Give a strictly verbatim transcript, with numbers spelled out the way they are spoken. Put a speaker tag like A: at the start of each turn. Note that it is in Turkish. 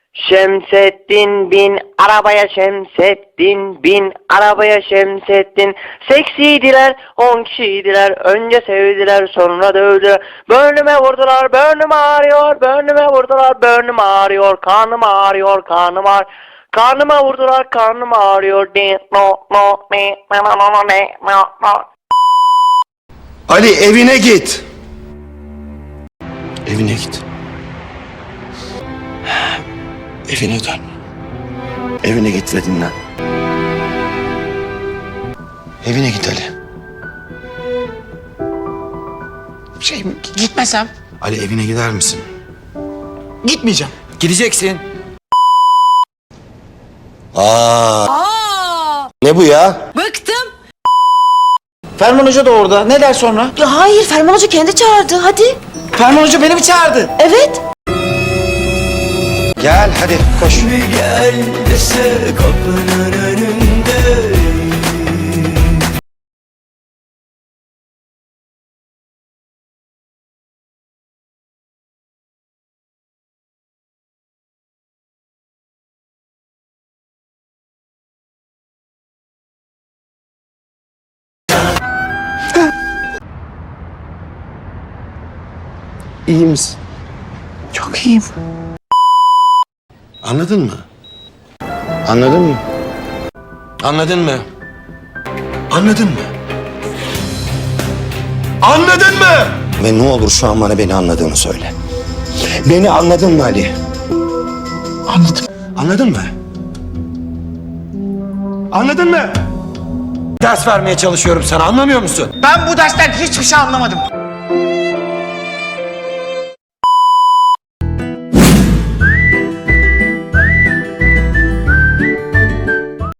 A: Şemsettin bin arabaya, Şemsettin bin arabaya, Şemsettin. Seksiydiler, on kişiydiler. Önce sevdiler, sonra dövdüler. Burnüme vurdular, burnum ağrıyor. Burnüme vurdular, burnum ağrıyor. Karnım ağrıyor, karnım ağrıyor. Karnıma vurdular, karnım ağrıyor.
B: Ali evine git. Evine git. Evine dön. Evine git ve dinlen. Evine git Ali.
C: Şey, gitmesem?
B: Ali evine gider misin?
C: Gitmeyeceğim.
B: Gideceksin. Aa.
D: Aa,
B: Ne bu ya?
D: bıktım.
C: Ferman Hoca da orada. Ne der sonra?
D: Ya hayır, Ferman Hoca kendi çağırdı. Hadi.
C: Ferman Hoca beni mi çağırdı?
D: Evet.
B: Gel hadi koş.
E: Gel dese kapının önünde.
B: İyi misin?
C: Çok iyiyim.
B: Anladın mı? Anladın mı? Anladın mı? Anladın mı? Anladın mı? Ve ne olur şu an bana beni anladığını söyle. Beni anladın mı Ali?
C: Anladım.
B: Anladın mı? Anladın mı? Ders vermeye çalışıyorum sana, anlamıyor musun?
C: Ben bu dersten hiçbir şey anlamadım.